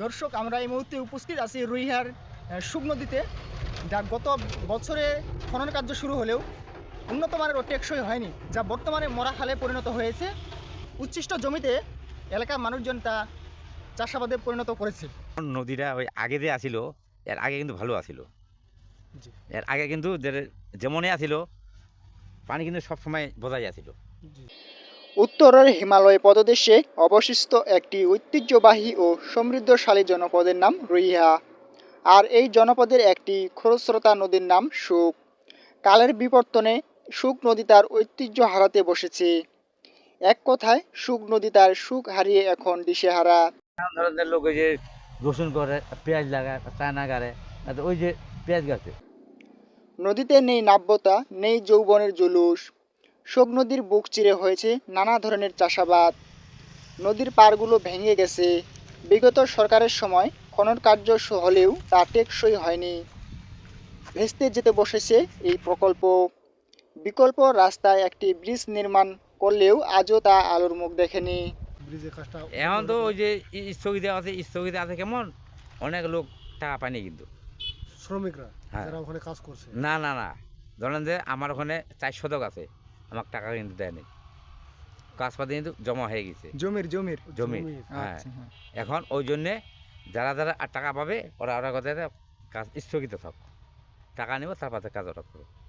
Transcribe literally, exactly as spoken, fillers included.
দর্শক, আমরা এই মুহূর্তে উপস্থিত আছি রুইহার শুক নদীতে, যা গত বছরে খনন কার্য শুরু হলেও উন্নত মানের ও টেকসই হয়নি, যা বর্তমানে মরা খালে পরিণত হয়েছে। উচ্ছিষ্ট জমিতে এলাকার মানুষজন তা চাষাবাদে পরিণত করেছে। নদীটা ওই আগে যে আসিল, এর আগে কিন্তু ভালো আসিল। এর আগে কিন্তু যেমনই আসিল পানি কিন্তু সবসময় বোঝাই আসিল। উত্তরের হিমালয় পদদেশে অবশিষ্ট একটি ঐতিহ্যবাহী ও সমৃদ্ধশালী জনপদের নাম রুইহা। আর এই জনপদের একটি খরস্রোতা নদীর নাম শুক। কালের বিবর্তনে শুক নদী তার ঐতিহ্য হারাতে বসেছে। এক কথায় শুক নদী তার সুখ হারিয়ে এখন দিশেহারা। ধরনের লোক ওই যে রসুন করে, পেঁয়াজ লাগায়, চায়না গাড়ে, ওই যে পেঁয়াজ গাছে। নদীতে নেই নাব্যতা, নেই যৌবনের জুলুস। শুক নদীর বুক চিরে হয়েছে নানা ধরনের চাষাবাদ। নদীর পাড়গুলো ভেঙে গেছে। বিগত সরকারের সময় খনন কার্য হলেও তা টেকসই হয়নি। ভেস্তে যেতে বসেছে এই প্রকল্প। বিকল্প রাস্তায় একটি ব্রিজ নির্মাণ করলেও আজও তা আলোর মুখ দেখেনি। এখন তো ওই যে স্থগিত আছে, স্থগিত আছে কেমন, অনেক লোক টাকা পায়নি কিন্তু শ্রমিকরা হ্যাঁ। যারা ওখানে কাজ করছে। না না না ধরেন যে আমার ওখানে চার শতক আছে, আমার টাকা কিন্তু দেয়নি, কাজ পাতি কিন্তু জমা হয়ে গেছে জমির জমির জমির। হ্যাঁ, এখন ওই জন্যে যারা যারা আর টাকা পাবে ওরা ওরা কথা কাজ স্থগিত থাক, টাকা নেব তারপরে কাজ ওরা করবো।